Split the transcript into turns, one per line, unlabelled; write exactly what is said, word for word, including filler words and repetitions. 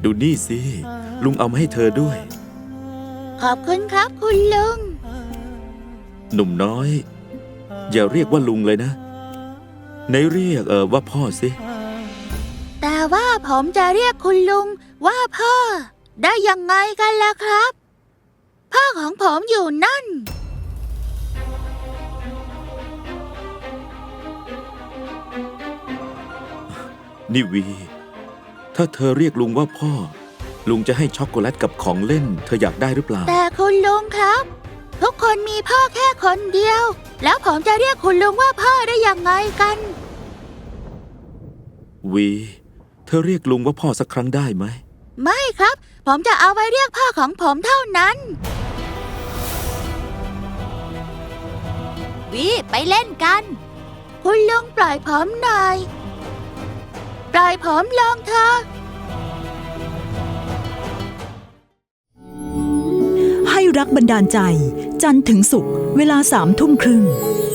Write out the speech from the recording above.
ดูนี่สิลุงเอามาให้เธอด้วย
ขอบคุณครับคุณลุง
หนุ่มน้อย อย่าเรียกว่าลุงเลยนะไหนเรียกเออว่าพ่อสิ
แต่ว่าผมจะเรียกคุณลุงว่าพ่อได้ยังไงกันล่ะครับ พ่อของผมอยู่นั่น
นี่วี ถ้าเธอเรียกลุงว่าพ่อลุงจะให้ช็อกโกแลตกับของเล่นเธออยากได้หรือเปล่า
แต่คุณลุงครับ ทุกคนมีพ่อแค่คนเดียว แล้วผมจะเรียกคุณลุงว่าพ่อได้ยังไงกัน
วีเธอเรียกลุงว่าพ่อสักครั้งได้ไหม
ไม่ครับ ผมจะเอาไว้เรียกพ่อของผมเท่านั้นวิไปเล่นกัน คุณลุงปล่อยผมหน่อย ปล่อยผมลงเถอะ
ให้รักบันดาลใจจันทร์ถึงศุกร์เวลาสามทุ่มครึ่ง